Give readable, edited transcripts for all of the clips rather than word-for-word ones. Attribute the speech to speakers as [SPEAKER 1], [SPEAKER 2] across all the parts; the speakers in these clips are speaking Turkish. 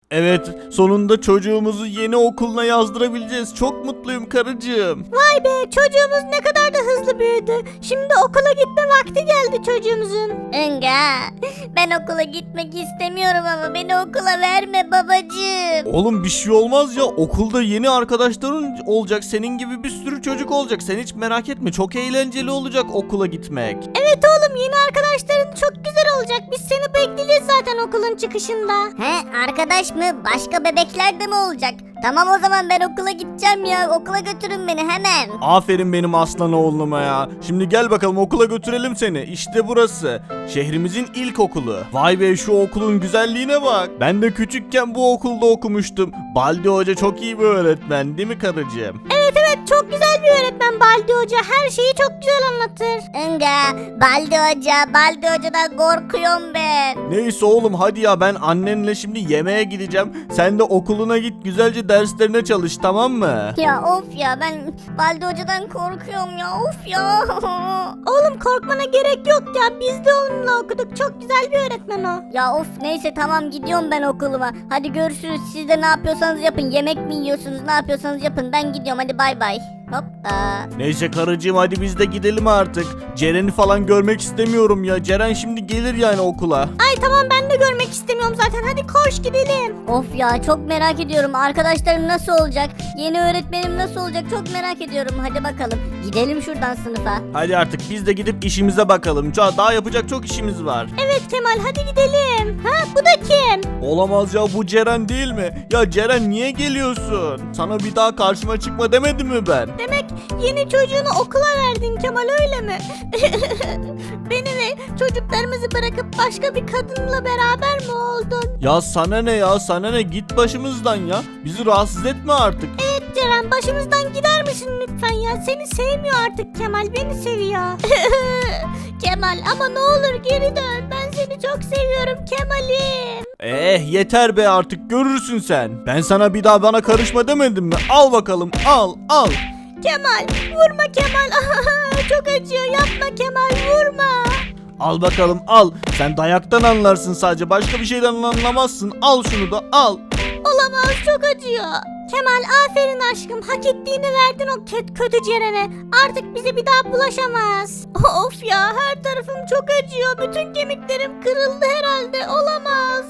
[SPEAKER 1] Evet, sonunda çocuğumuzu yeni okuluna yazdırabileceğiz. Çok mutluyum karıcığım.
[SPEAKER 2] Vay be, çocuğumuz ne kadar da hızlı büyüdü. Şimdi okula gitme vakti geldi çocuğumuzun.
[SPEAKER 3] Enga, ben okula gitmek istemiyorum ama beni okula verme babacığım.
[SPEAKER 1] Oğlum bir şey olmaz ya. Okulda yeni arkadaşların olacak. Senin gibi bir sürü çocuk olacak. Sen hiç merak etme. Çok eğlenceli olacak okula gitmek.
[SPEAKER 2] Evet oğlum, yeni arkadaşların çok güzel olacak. Biz seni bekleyeceğiz zaten okulun çıkışında.
[SPEAKER 3] He, arkadaş mı? Başka bebekler de mi olacak? Tamam, o zaman ben okula gideceğim ya. Okula götürün beni hemen.
[SPEAKER 1] Aferin benim aslan oğluma ya. Şimdi gel bakalım okula götürelim seni. İşte burası. Şehrimizin ilk okulu. Vay be, şu okulun güzelliğine bak. Ben de küçükken bu okulda okumuştum. Baldi Hoca çok iyi bir öğretmen değil mi karıcığım?
[SPEAKER 2] Evet evet, çok güzel bir öğretmen Baldi Hoca. Her şeyi çok güzel anlatır.
[SPEAKER 3] Enga, Baldi Hoca'dan korkuyorum ben.
[SPEAKER 1] Neyse oğlum hadi ya, ben annenle şimdi yemeğe gideceğim. Sen de okuluna git, güzelce derslerine çalış, tamam mı?
[SPEAKER 3] Ya of ya, ben Baldi Hoca'dan korkuyorum ya, of ya.
[SPEAKER 2] Oğlum korkmana gerek yok ya. Biz de onunla okuduk. Çok güzel bir öğretmen o.
[SPEAKER 3] Ya of, neyse tamam, gidiyorum ben okuluma. Hadi görüşürüz, siz de ne yapıyorsanız yapın. Yemek mi yiyorsunuz, ne yapıyorsanız yapın. Ben gidiyorum, hadi bay bay. Hoppa.
[SPEAKER 1] Neyse karıcığım, hadi biz de gidelim artık. Ceren'i falan görmek istemiyorum ya. Ceren şimdi gelir yani okula.
[SPEAKER 2] Ay tamam, ben de görmek istemiyorum zaten. Hadi koş gidelim.
[SPEAKER 3] Of ya, çok merak ediyorum. Arkadaşlarım nasıl olacak? Yeni öğretmenim nasıl olacak? Çok merak ediyorum. Hadi bakalım. Gidelim şuradan sınıfa.
[SPEAKER 1] Hadi artık biz de gidip işimize bakalım. Daha yapacak çok işimiz var.
[SPEAKER 2] Evet Kemal, hadi gidelim. Ha, bu da kim?
[SPEAKER 1] Olamaz ya, bu Ceren değil mi? Ya Ceren niye geliyorsun? Sana bir daha karşıma çıkma demedim mi ben?
[SPEAKER 2] Demek yeni çocuğunu okula verdin Kemal, öyle mi? Beni ve çocuklarımızı bırakıp başka bir kadınla beraber mi oldun?
[SPEAKER 1] Ya sana ne ya, sana ne, git başımızdan ya. Bizi rahatsız etme artık.
[SPEAKER 2] Evet Ceren, başımızdan gider misin lütfen ya? Seni sevmiyor artık Kemal, beni seviyor. Kemal ama ne olur geri dön. Ben seni çok seviyorum Kemal'im.
[SPEAKER 1] Yeter be artık, görürsün sen. Ben sana bir daha bana karışma demedim mi? Al bakalım, al.
[SPEAKER 2] Kemal vurma Kemal. Çok acıyor, yapma Kemal, vurma.
[SPEAKER 1] Al bakalım, al. Sen dayaktan anlarsın sadece, başka bir şeyden anlamazsın. Al şunu da, al.
[SPEAKER 2] Olamaz, çok acıyor. Kemal aferin aşkım, hak ettiğini verdin o kötü Ceren'e. Artık bize bir daha bulaşamaz. Of ya, her tarafım çok acıyor. Bütün kemiklerim kırıldı herhalde, olamaz.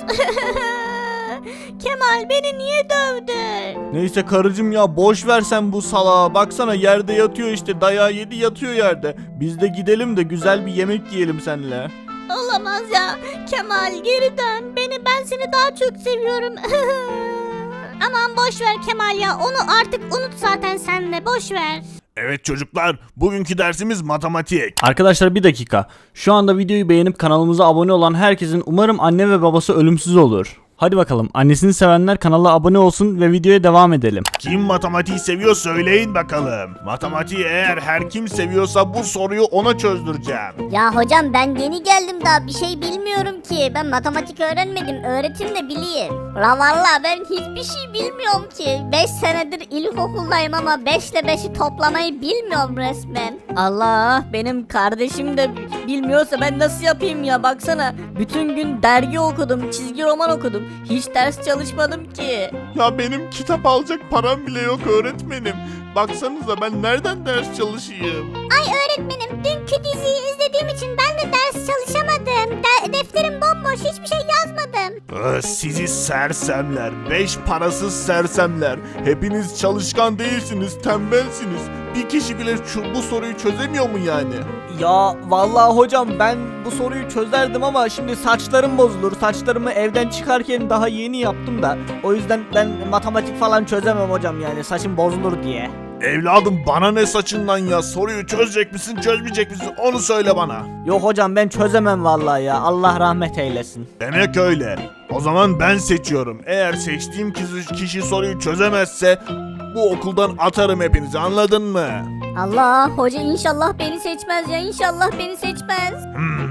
[SPEAKER 2] Kemal beni niye dövdün?
[SPEAKER 1] Neyse karıcığım ya, boş ver sen bu salağı. Baksana yerde yatıyor işte, dayağı yedi yatıyor yerde. Biz de gidelim de güzel bir yemek yiyelim seninle.
[SPEAKER 2] Olamaz ya. Kemal geri dön. Ben seni daha çok seviyorum. Aman boş ver Kemal ya. Onu artık unut zaten sen de. Boş ver.
[SPEAKER 4] Evet çocuklar, bugünkü dersimiz matematik.
[SPEAKER 1] Arkadaşlar bir dakika. Şu anda videoyu beğenip kanalımıza abone olan herkesin umarım anne ve babası ölümsüz olur. Hadi bakalım, annesini sevenler kanala abone olsun ve videoya devam edelim.
[SPEAKER 4] Kim matematiği seviyor söyleyin bakalım. Matematiği eğer her kim seviyorsa bu soruyu ona çözdüreceğim.
[SPEAKER 3] Ya hocam, ben yeni geldim, daha bir şey bilmiyorum ki. Ben matematik öğrenmedim, öğretin de bileyim. La valla ben hiçbir şey bilmiyorum ki. 5 senedir ilkokuldayım ama 5 ile 5'i toplamayı bilmiyorum resmen.
[SPEAKER 5] Allah, benim kardeşim de bilmiyorsa ben nasıl yapayım ya, baksana. Bütün gün dergi okudum, çizgi roman okudum. Hiç ders çalışmadım ki.
[SPEAKER 4] Ya benim kitap alacak param bile yok öğretmenim. Baksanıza ben nereden ders çalışayım?
[SPEAKER 2] Ay öğretmenim, dünkü diziyi izlediğim için ben de ders çalışamadım. Defterim bomboş, hiçbir şey yazmadım.
[SPEAKER 4] Sizi sersemler, 5 parasız sersemler. Hepiniz çalışkan değilsiniz, tembelsiniz. Bir kişi bile bu soruyu çözemiyor mu yani?
[SPEAKER 5] Ya vallahi hocam, ben bu soruyu çözerdim ama şimdi saçlarım bozulur. Saçlarımı evden çıkarken daha yeni yaptım da. O yüzden ben matematik falan çözemem hocam, yani saçım bozulur diye.
[SPEAKER 4] Evladım bana ne saçından ya, soruyu çözecek misin çözmeyecek misin onu söyle bana.
[SPEAKER 5] Yok hocam, ben çözemem vallahi ya. Allah rahmet eylesin.
[SPEAKER 4] Demek öyle. O zaman ben seçiyorum. Eğer seçtiğim kişi soruyu çözemezse bu okuldan atarım hepinizi, anladın mı?
[SPEAKER 3] Allah, hoca inşallah beni seçmez ya, inşallah beni seçmez.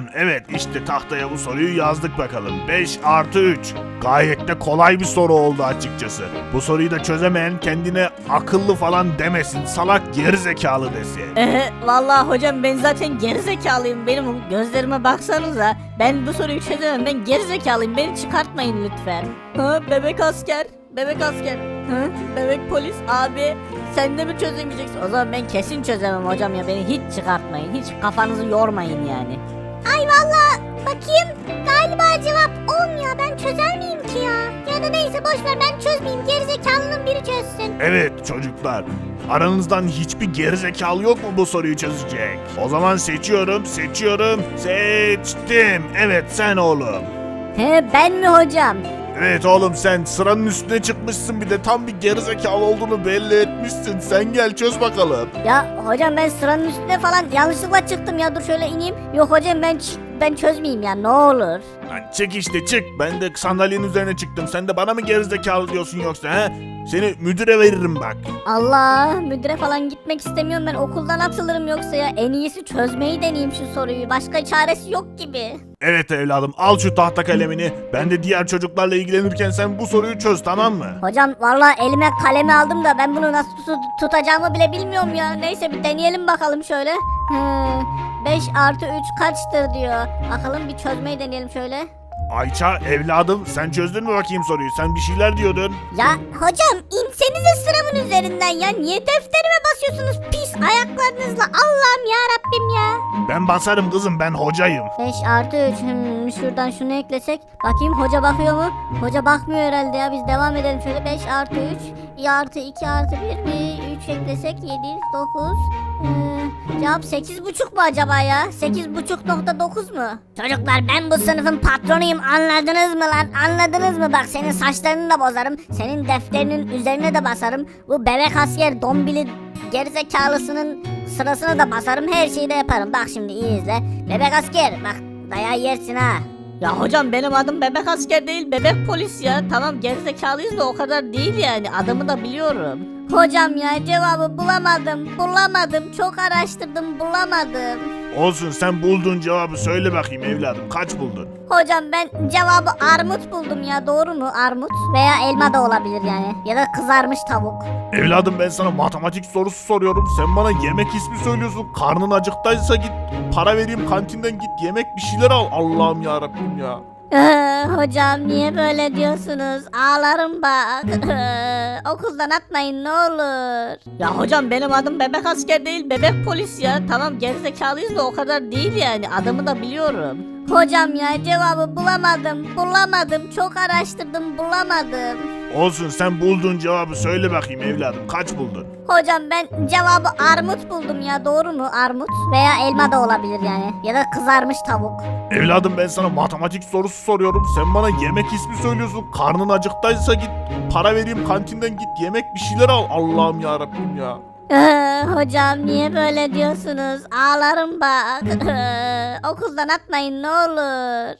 [SPEAKER 4] Evet işte tahtaya bu soruyu yazdık bakalım. 5 artı 3. Gayet de kolay bir soru oldu açıkçası. Bu soruyu da çözemeyen kendine akıllı falan demesin. Salak gerizekalı desin.
[SPEAKER 2] Vallahi hocam ben zaten gerizekalıyım. Benim gözlerime baksanıza. Ben bu soruyu çözemem. Ben gerizekalıyım. Beni çıkartmayın lütfen. Bebek asker. Bebek asker. Bebek polis abi. Sen de mi çözemeyeceksin? O zaman ben kesin çözemem hocam ya. Beni hiç çıkartmayın. Hiç kafanızı yormayın yani.
[SPEAKER 3] Ay valla bakayım galiba cevap 10 ya ben çözer miyim ki ya? Ya da neyse boşver ben çözmeyeyim gerizekalının biri çözsün.
[SPEAKER 4] Evet çocuklar. Aranızdan hiçbir gerizekalı yok mu bu soruyu çözecek? O zaman seçiyorum. Seçtim. Evet sen oğlum.
[SPEAKER 3] Ben mi hocam?
[SPEAKER 4] Evet oğlum sen sıranın üstüne çıkmışsın bir de tam bir gerizekalı olduğunu belli etmişsin. Sen gel çöz bakalım.
[SPEAKER 3] Ya hocam ben sıranın üstüne falan yanlışlıkla çıktım ya dur şöyle ineyim. Yok hocam ben çözmeyeyim ya ne olur.
[SPEAKER 4] Lan çık işte çık. Ben de sandalyenin üzerine çıktım. Sen de bana mı gerizekalı diyorsun yoksa he? Seni müdüre veririm bak.
[SPEAKER 3] Allah müdüre falan gitmek istemiyorum ben okuldan atılırım yoksa ya en iyisi çözmeyi deneyeyim şu soruyu başka çaresi yok gibi.
[SPEAKER 4] Evet evladım al şu tahta kalemini. Ben de diğer çocuklarla ilgilenirken sen bu soruyu çöz tamam mı?
[SPEAKER 3] Hocam valla elime kalemi aldım da ben bunu nasıl tutacağımı bile bilmiyorum ya. Neyse bir deneyelim bakalım şöyle. 5 artı 3 kaçtır diyor. Bakalım bir çözmeyi deneyelim şöyle.
[SPEAKER 4] Ayça evladım sen çözdün mü bakayım soruyu? Sen bir şeyler diyordun.
[SPEAKER 3] Ya hocam insenize sıramın üzerinden ya. Niye defterime basıyorsunuz pis ayaklarınızla? Allah'ım ya Rabbim ya.
[SPEAKER 4] Ben basarım kızım ben hocayım.
[SPEAKER 3] 5 artı 3 şuradan şunu eklesek. Bakayım hoca bakıyor mu? Hoca bakmıyor herhalde ya biz devam edelim şöyle 5 artı 3 artı 2 artı 1 3 eklesek 7 9 cevap 8,5 mu acaba ya? 8,5.9 mu? Çocuklar ben bu sınıfın patronuyum anladınız mı lan? Anladınız mı? Bak senin saçlarını da bozarım. Senin defterinin üzerine de basarım. Bu bebek asker dombili gerizekalısının sırasına da basarım. Her şeyi de yaparım. Bak şimdi iyi izle. Bebek asker bak dayağı yersin ha.
[SPEAKER 2] Ya hocam benim adım bebek asker değil bebek polis ya. Tamam gerizekalıyız da o kadar değil yani. Adımı da biliyorum.
[SPEAKER 3] Hocam ya cevabı bulamadım. Çok araştırdım bulamadım.
[SPEAKER 4] Olsun sen bulduğun cevabı söyle bakayım evladım kaç buldun?
[SPEAKER 3] Hocam ben cevabı armut buldum ya doğru mu armut? Veya elma da olabilir yani ya da kızarmış tavuk.
[SPEAKER 4] Evladım ben sana matematik sorusu soruyorum. Sen bana yemek ismi söylüyorsun. Karnın acıktaysa git para vereyim kantinden git yemek bir şeyler al. Allah'ım ya Rabbim ya.
[SPEAKER 3] Hocam niye böyle diyorsunuz? Ağlarım bak. Okuldan atmayın ne olur.
[SPEAKER 2] Ya hocam benim adım bebek asker değil bebek polis ya. Tamam gerizekalıyız da o kadar değil yani. Adımı da biliyorum.
[SPEAKER 3] Hocam ya cevabı bulamadım. Çok araştırdım bulamadım.
[SPEAKER 4] Olsun sen bulduğun cevabı söyle bakayım evladım kaç buldun?
[SPEAKER 3] Hocam ben cevabı armut buldum ya doğru mu armut? Veya elma da olabilir yani ya da kızarmış tavuk.
[SPEAKER 4] Evladım ben sana matematik sorusu soruyorum. Sen bana yemek ismi söylüyorsun. Karnın acıktaysa git para vereyim kantinden git yemek bir şeyler al. Allah'ım ya Rabbim ya.
[SPEAKER 3] Hocam niye böyle diyorsunuz? Ağlarım bak. Okuldan atmayın ne olur.